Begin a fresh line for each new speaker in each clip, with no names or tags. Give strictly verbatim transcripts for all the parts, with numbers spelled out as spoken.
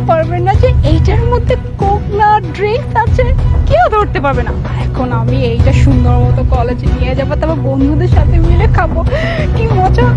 পারবে না যে এইটার মধ্যে কোক না ড্রিঙ্কস আছে, কেউ ধরতে পারবে না। এখন আমি এইটা সুন্দর মতো কলেজে নিয়ে যাবো, তারপর বন্ধুদের সাথে মিলে খাবো, কি মজা।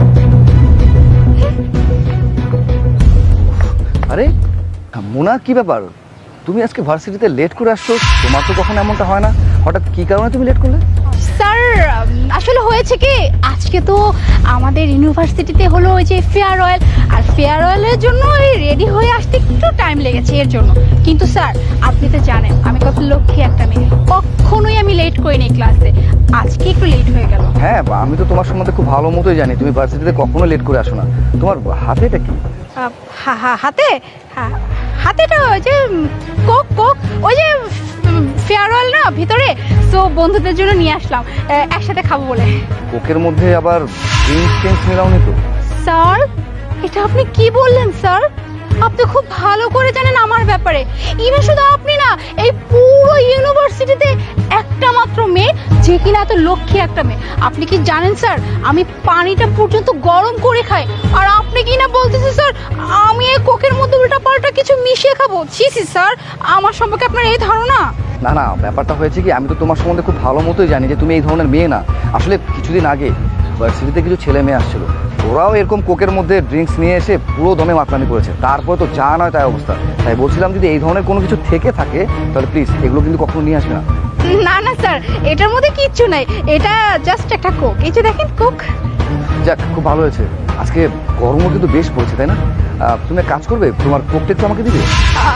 আরে মোনা, কি ব্যাপার? তুমি আজকে ভার্সিটিতে লেট করে আসছো, তোমার তো কখনো এমনটা হয় না, হঠাৎ কি কারণে তুমি লেট করলে?
স্যার আসলে হয়েছে কি, আজকে তো আমাদের ইউনিভার্সিটিতে হলো ওই যে ফেয়ারওয়েল, আর ফেয়ারওয়েলের জন্য রেডি হয়ে আসতে একটু টাইম লেগেছে এর জন্য। কিন্তু স্যার আপনি তো জানেন আমি কত লক্ষ্মী একটা মেয়ে, কখনোই আমি লেট করিনি ক্লাসে, আজকে একটু লেট হয়ে গেল।
হ্যাঁ, আমি তো তোমার সম্বন্ধে খুব ভালো মতোই জানি, তুমি ভার্সিটিতে কখনো লেট করে আসো না। তোমার হাতে এটা কি?
আহ, হা- হা- হাতে হা- হাতেটা ওই যে কোক কোক ওই যে ফেয়ারওয়েল না ভিতরে, তো বন্ধুদের জন্য নিয়ে আসলাম, আহ, একসাথে খাবো বলে।
কোকের মধ্যে আবার ড্রিঙ্কস টিঙ্কস মিলাওনি তো?
স্যার এটা আপনি কি বললেন স্যার? আপনি খুব ভালো করে জানেন আমার ব্যাপারে। ইভেন শুধু আপনি না, এই পুরো ইউনিভার্সিটিতে একটা মাত্র মেয়ে যে কিনা এত লক্ষ্মী একটা মেয়ে। আপনি কি জানেন স্যার, আমি পানিটা পর্যন্ত গরম করে খাই, আর আপনি কি না বলতেছেন স্যার আমি এই কোকের মধ্যে উল্টা পাল্টা কিছু মিশিয়ে খাবো? ছি ছি স্যার, আমার সম্পর্কে আপনার এই ধারণা?
না না, ব্যাপারটা হয়েছে কি, আমি তো তোমার সম্বন্ধে খুব ভালো মতোই জানি যে তুমি এই ধরনের মেয়ে না। আসলে কিছুদিন আগে ভার্সিটিতে কিছু ছেলে মেয়ে আসছিল, ওরাও এরকম কোকের মধ্যে ড্রিঙ্কস নিয়ে এসে পুরো দমে মাতলামি করেছে, তারপরে তো যা নয় তাই অবস্থা। তাই বলছিলাম যদি এই ধরনের কোনো কিছু থেকে থাকে তাহলে প্লিজ এগুলো কিন্তু কখনো নিয়ে আসবে না।
না না স্যার, এটার মধ্যে কিচ্ছু নাই, এটা জাস্ট একটা কোক। এই যে দেখেন কোক।
যাক, খুব ভালো হয়েছে। আজকে গরমও কিন্তু বেশ পড়েছে, তাই না? আহ, তুমি এক কাজ করবে, তোমার কোকটা একটু আমাকে দিবে?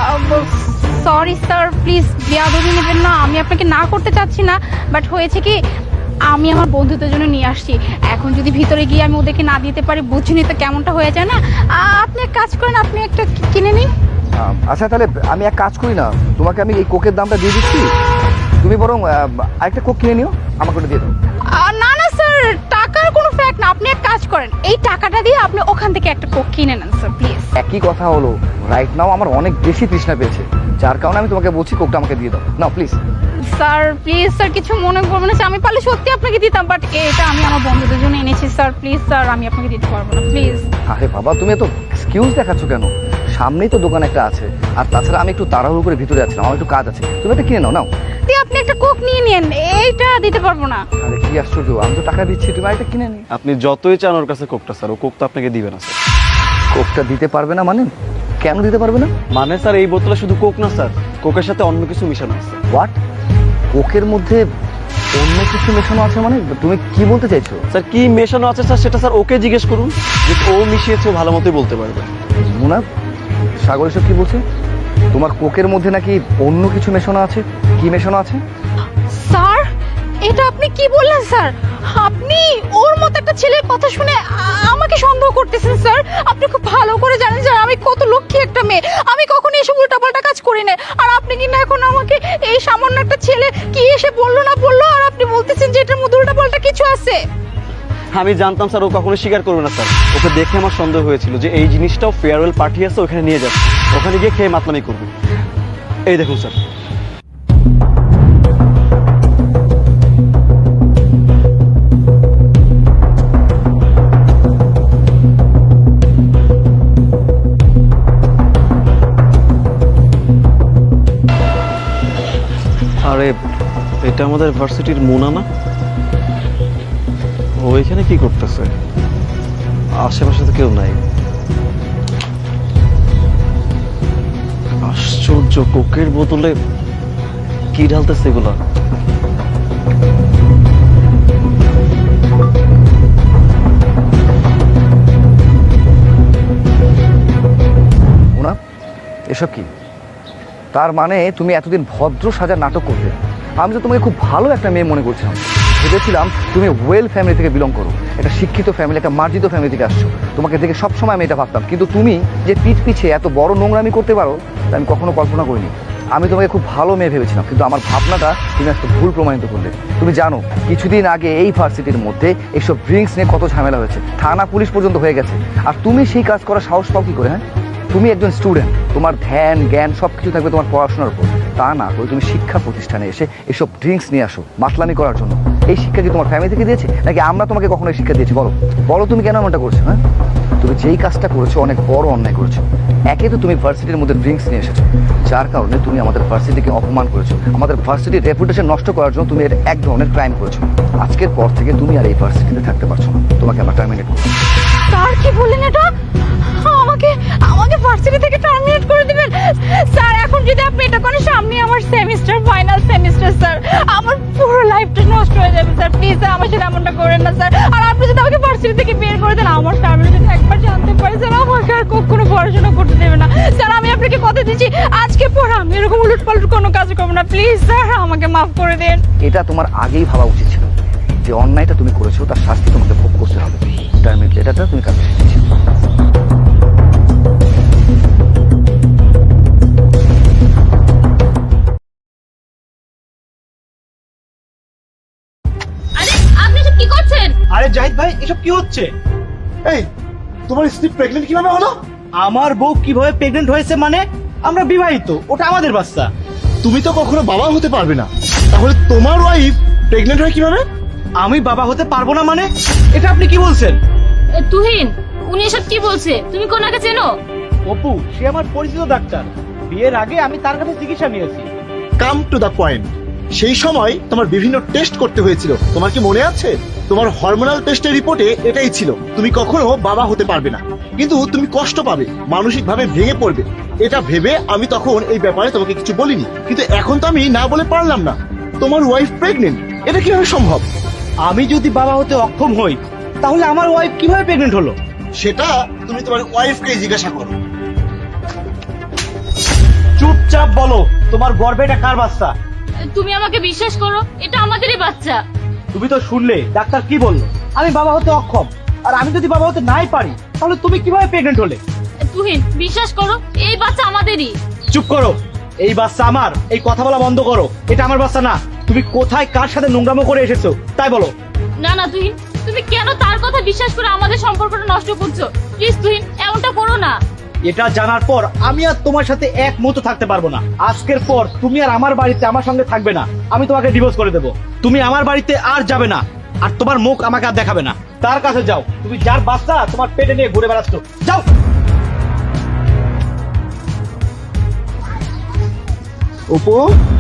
সরি স্যার, প্লিজ বেয়াদবি নেবেন না, আমি আপনাকে না করতে চাচ্ছি না, বাট হয়েছে কি আমি আমার বন্ধুদের জন্য নিয়ে আসছি, এখন যদি ভিতরে গিয়ে আমি ওদেরকে না দিতে পারি বুঝিনি তো কেমনটা হয়ে যায় না। আহ, আপনি এক কাজ করেন, আপনি একটা কি- কিনে নিন।
আহ, আচ্ছা তাহলে আমি এক কাজ করি না, তোমাকে আমি এই কোকের দামটা দিয়ে দিচ্ছি, তুমি বরং আহ, আরেকটা কোক কিনে নিও, আমাকে ওটা দিয়ে দাও।
আহ, না না স্যার, টাকার কোনো ফ্যাক্ট না, আপনি এক কাজ করেন, এই টাকাটা দিয়ে আপনি ওখান থেকে একটা কোক কিনে নেন স্যার প্লিজ।
একই কথা হলো, রাইট নাও আমার অনেক বেশি তৃষ্ণা পেয়েছে, যার কারণে আমি তোমাকে বলছি কোকটা আমাকে দিয়ে দাও, নাও প্লিজ।
স্যার প্লিজ স্যার, কিছু মনে করবেন না, আমি পারলে সত্যি আপনাকে দিতাম, বাট এটা আমি আমার বন্ধুদের জন্য এনেছি স্যার, প্লিজ স্যার আমি আপনাকে দিতে পারবো না প্লিজ।
আরে বাবা, তুমি এত এক্সকিউজ দেখাচ্ছ কেন? সামনেই তো দোকান একটা আছে, আর তাছাড়া আমি একটু তাড়াহুড়ো করে ভিতরে আছিলাম, আমার একটু কাজ আছে, তুমি এটা কিনে নাও। নাও
দিয়ে আপনি একটা কোক নিয়ে নিন, এইটা দিতে পারবো না।
আরে কি আশ্চর্য, আমি তো টাকা দিচ্ছি, তুমি আরেকটা কিনে নি।
আপনি যতই চান ওর কাছে কোকটা স্যার, ও কোক তো আপনাকে দিবে না স্যার।
কোকটা দিতে পারবে না মানে? কেন দিতে পারবে না?
মানে স্যার এই বোতলে শুধু কোক না স্যার, কোকের সাথে অন্য কিছু মিশানো আছে।
হোয়াট? কোকের মধ্যে অন্য কিছু মেশানো আছে মানে? তুমি কি বলতে চাইছো?
স্যার কি মেশানো আছে স্যার সেটা স্যার ওকে জিজ্ঞেস করুন, যে ও মিশিয়েছে ও ভালো মতোই বলতে পারবে।
মুনা, সাগর এসব কি বলছে? তোমার কোকের মধ্যে নাকি অন্য কিছু মেশানো আছে? কি মেশানো আছে?
স্যার এটা আপনি কি বললেন স্যার? আপনি ওর মতো একটা ছেলের কথা শুনে আ- আমাকে সন্দেহ করতেছেন স্যার? আপনি খুব ভালো করে জানেন স্যার আমি কত লক্ষ্মী একটা মেয়ে, আমি কখনো এসব উল্টাপাল্টা কাজ করি না, আর আপনি কি না এখন আমাকে এই সামান্য একটা ছেলে কি এসে বললো না বললো, আর আপনি বলতেছেন যে এটার মধ্যে উল্টাপাল্টা কিছু আছে?
আমি জানতাম স্যার ও কখনো স্বীকার করবে না স্যার, ওকে দেখে আমার সন্দেহ হয়েছিল যে এই জিনিসটাও ফেয়ারওয়েল পার্টি আছে ওখানে নিয়ে যাচ্ছে, ওখানে গিয়ে খেয়ে মাতলামি করবে। এই দেখুন স্যার। আরে এটা আমাদের ভার্সিটির মুনা না? ও এখানে কি করতেছে? আশেপাশে তো কেউ নাই। আশ্চর্য, কোকের বোতলে কি ঢালতেছে এগুলা?
মুনা, এসব কি? তার মানে তুমি এতদিন ভদ্র সাজার নাটক করতে, আমি তো তোমাকে খুব ভালো একটা মেয়ে মনে করছিলাম, ভেবেছিলাম তুমি ওয়েল ফ্যামিলি থেকে বিলং করো, একটা শিক্ষিত ফ্যামিলি, একটা মার্জিত ফ্যামিলি থেকে আসছো, তোমাকে দেখে সবসময় আমি এটা ভাবতাম, কিন্তু তুমি যে পিঠ পিছে এত বড় নোংরামি করতে পারো তা আমি কখনো কল্পনা করিনি। আমি তোমাকে খুব ভালো মেয়ে ভেবেছিলাম, কিন্তু আমার ভাবনাটা তুমি একটা ভুল প্রমাণিত করলে। তুমি জানো কিছুদিন আগে এই ভার্সিটির মধ্যে এইসব ড্রিঙ্কস নিয়ে কত ঝামেলা হয়েছে, থানা পুলিশ পর্যন্ত হয়ে গেছে, আর তুমি সেই কাজ করার সাহস পাও কি করে? হ্যাঁ, তুমি একজন স্টুডেন্ট, তোমার ধ্যান জ্ঞান সব কিছু থাকবে তোমার পড়াশোনার উপর, তা না করে তুমি শিক্ষা প্রতিষ্ঠানে এসে এসব ড্রিঙ্কস নিয়ে আসো মাতলামি করার জন্য। এই শিক্ষা কি তোমার ফ্যামিলি থেকে দিয়েছে, নাকি আমরা তোমাকে কখনো এই শিক্ষা দিয়েছি? বলো বলো তুমি কেন এমনটা করছো? হ্যাঁ, তুমি যেই কাজটা করেছো অনেক বড় অন্যায় করেছো। একে তো তুমি ভার্সিটির মধ্যে ড্রিঙ্কস নিয়ে এসেছো, যার কারণে তুমি আমাদের ভার্সিটিকে অপমান করেছো, আমাদের ভার্সিটির রেপুটেশন নষ্ট করার জন্য তুমি এর এক ধরনের ক্রাইম করেছো। আজকের পর থেকে তুমি আর এই ভার্সিটিতে থাকতে পারছো না, তোমাকে আমরা টার্মিনেট করবো।
স্যার কি বললেন এটা? আমাকে আমাকে ভার্সিটি থেকে টার্মিনেট করে দিবেন? স্যার এখন যদি আপনি এটা করেন, সামনে আমার সেমিস্টার, ফাইনাল সেমিস্টার স্যার, আমার পুরো লাইফটা নষ্ট হয়ে যাবে স্যার। প্লিজ স্যার আমার সাথে এমনটা করেন না স্যার। আর আপনি যদি আমাকে ভার্সিটি থেকে বের করে দেন, আমার ফ্যামিলি যদি একবার জানতে পারে স্যার, আমাকে আর কখনো পড়াশোনা করতে দেবে না স্যার। আমি আপনাকে কথা দিচ্ছি, আজকে পর আমি এরকম উলট পালট কোনো কাজ করবো না। প্লিজ স্যার আমাকে মাফ করে দেন।
এটা তোমার আগেই ভাবা উচিত ছিল যে অন্যায়টা তুমি করেছো, তার শাস্তি তোমাকে ভোগ করতে হবে। টার্মিনেট লেটারটা তুমি কাছে এসেছি।
আরে আপনি এসব কি করছেন?
আরে জাহিদ ভাই, এসব কি হচ্ছে?
এই তোমার স্ত্রী প্রেগনেন্ট কিভাবে হলো?
আমার বউ কিভাবে প্রেগনেন্ট হয়েছে মানে? আমরা বিবাহিত, ওটা আমাদের বাচ্চা।
তুমি তো কখনো বাবা হতে পারবে না, তাহলে তোমার ওয়াইফ প্রেগনেন্ট হয় কিভাবে?
আমি বাবা হতে পারবো না মানে? এটা আপনি কি বলছেন?
তুহিন, উনি এসব কি বলছে? তুমি কোনাকে চেনো?
অপু, সে আমার পরিচিত ডাক্তার। বিয়ের আগে আমি তার কাছে চিকিৎসা নিয়েছি।
Come to the point. সেই সময় তোমার বিভিন্ন টেস্ট করতে হয়েছিল, তোমার কি মনে আছে? তোমার হরমোনাল টেস্টের রিপোর্টে এটাই ছিল, তুমি কখনো বাবা হতে পারবে না, কিন্তু তুমি কষ্ট পাবে, মানসিক ভাবে ভেঙে পড়বে। এটা ভেবে আমি তখন এই ব্যাপারে তোমাকে কিছু বলিনি, কিন্তু এখন তো আমি না বলে পারলাম না। তোমার ওয়াইফ প্রেগনেন্ট, এটা কিভাবে সম্ভব?
আমি যদি বাবা হতে অক্ষম হই, তাহলে আমার ওয়াইফ কিভাবে প্রেগনেন্ট হলো?
সেটা তুমি তোমার ওয়াইফকে জিজ্ঞাসা করো।
চুপচাপ বলো, তোমার গর্ভে এটা কার বাচ্চা?
তুমি আমাকে বিশ্বাস করো, এটা আমাদেরই বাচ্চা।
তুমি তো শুনলে ডাক্তার কি বললো, আমি বাবা হতে অক্ষম। আর আমি যদি বাবা হতে নাই পারি, তাহলে তুমি কিভাবে প্রেগনেন্ট হলে?
তুহিন বিশ্বাস করো, এই বাচ্চা আমাদেরই।
চুপ করো, এই বাচ্চা আমার। এই কথা বলা বন্ধ করো, এটা আমার বাচ্চা না। তুমি কোথায় কার সাথে নোংরামো করে এসেছো তাই বলো।
না না তুহিন, তুমি কেন তার কথা বিশ্বাস করে আমাদের সম্পর্কটা নষ্ট করছো? প্লিজ তুহিন, এমনটা করো না।
এটা জানার পর আমি আর তোমার সাথে এক মতো থাকতে পারবো না। আজকের পর তুমি আর আমার বাড়িতে আমার সঙ্গে থাকবে না। আমি তোমাকে ডিভোর্স করে দেবো। তুমি আমার বাড়িতে আর যাবে না, আর তোমার মুখ আমাকে আর দেখাবে না। তার কাছে যাও, তুমি যার বাচ্চা তোমার পেটে নিয়ে ঘুরে বেড়াচ্ছ, যাও।
অপু,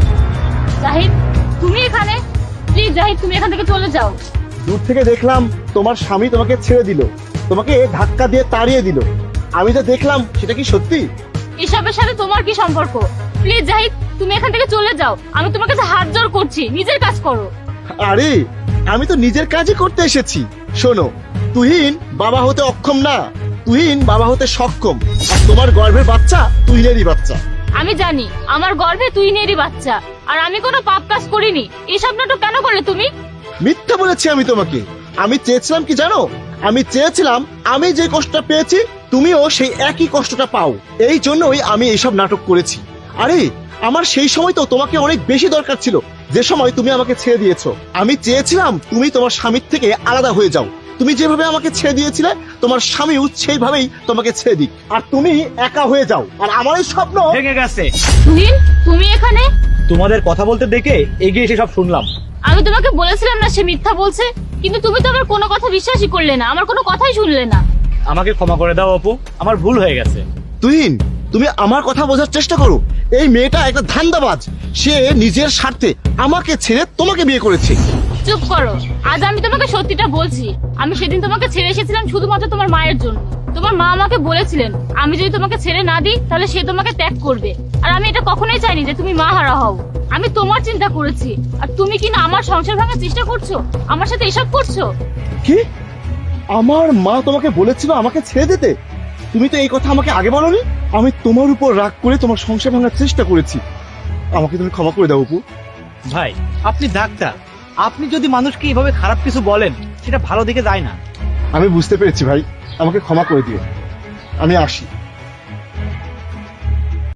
জাহিদ, তুমি এখানে? প্লিজ জাহিদ, তুমি এখান থেকে চলে যাও।
দূর থেকে দেখলাম তোমার স্বামী তোমাকে ছেড়ে দিল, তোমাকে ধাক্কা দিয়ে তাড়িয়ে দিল। আমি যা দেখলাম সেটা কি সত্যি?
এসবের সাথে তোমার কি সম্পর্ক? প্লিজ জাহিদ, তুমি এখান থেকে চলে যাও। আমি তোমার কাছে হাত জোড় করছি, নিজের কাজ করো।
আরে আমি তো নিজের কাজই করতে এসেছি। শোনো, তুহিন বাবা হতে অক্ষম না, তুহিন বাবা হতে সক্ষম। আর তোমার গর্ভের বাচ্চা তুহিনেরই বাচ্চা।
আমি জানি আমার গর্ভে তুহিনেরই বাচ্চা, আর আমি কোনো পাপ কাজ করিনি। এসব নাটক কেন করলে তুমি?
মিথ্যা বলেছি আমি তোমাকে। আমি চেয়েছিলাম কি জানো? আমি চেয়েছিলাম আমি যে কষ্টটা পেয়েছি তুমিও সেই একই কষ্টটা পাও। এই জন্যই আমি এইসব নাটক করেছি। আরে আমার সেই সময় তো তোমাকে অনেক বেশি দরকার ছিল, যে সময় তুমি আমাকে ছেড়ে দিয়েছো। আমি চেয়েছিলাম তুমি তোমার স্বামীর থেকে আলাদা হয়ে যাও। তুমি যেভাবে আমাকে ছেড়ে দিয়েছিলে, তোমার স্বামীও সেইভাবেই তোমাকে ছেড়ে দিক, আর তুমি একা হয়ে যাও। আর আমার এই স্বপ্ন
ভেঙে গেছে।
তুহিন, তুমি এখানে?
তোমাদের কথা বলতে দেখে এগিয়ে এসে সব শুনলাম।
আমি তোমাকে বলেছিলাম না সে মিথ্যা বলছে, কিন্তু তুমি তো আমার কোনো কথা বিশ্বাসই করলে না, আমার কোনো কথাই শুনলে না।
আমাকে ক্ষমা করে দাও অপু, আমার ভুল হয়ে গেছে।
তুহিন, তুমি আমার কথা বোঝার চেষ্টা করো। এই মেয়েটা একটা ধান্দাবাজ। সে নিজের স্বার্থে আমাকে ছেড়ে তোমাকে বিয়ে করেছে।
চুপ করো, আজ আমি তোমাকে সত্যিটা বলছি। আমি সেদিন তোমাকে ছেড়ে এসেছিলাম শুধুমাত্র তোমার মায়ের জন্য। তোমার মা আমাকে বলেছিলেন আমি যদি তোমাকে ছেড়ে না দিই তাহলে সে তোমাকে ত্যাগ করবে, আর আমি এটা কখনোই চাইনি যে তুমি মা হারা হও। আমি তোমার চিন্তা করেছি, আর তুমি কিনা আমার সংসার ভাঙার চেষ্টা করছো, আমার সাথে এসব করছো।
কি? আমার মা তোমাকে বলেছিল আমাকে ছেড়ে দিতে? তুমি তো এই কথা আমাকে আগে বলনি। আমি তোমার উপর রাগ করে তোমার সংসার ভাঙার চেষ্টা করেছি। আমাকে তুমি ক্ষমা করে দাও অপু।
ভাই, আপনি ডাক্তার, আপনি যদি মানুষকে এভাবে খারাপ কিছু বলেন সেটা ভালো দিকে যায় না।
আমি বুঝতে পেরেছি ভাই, আমাকে ক্ষমা করে দিও। আমি আসি।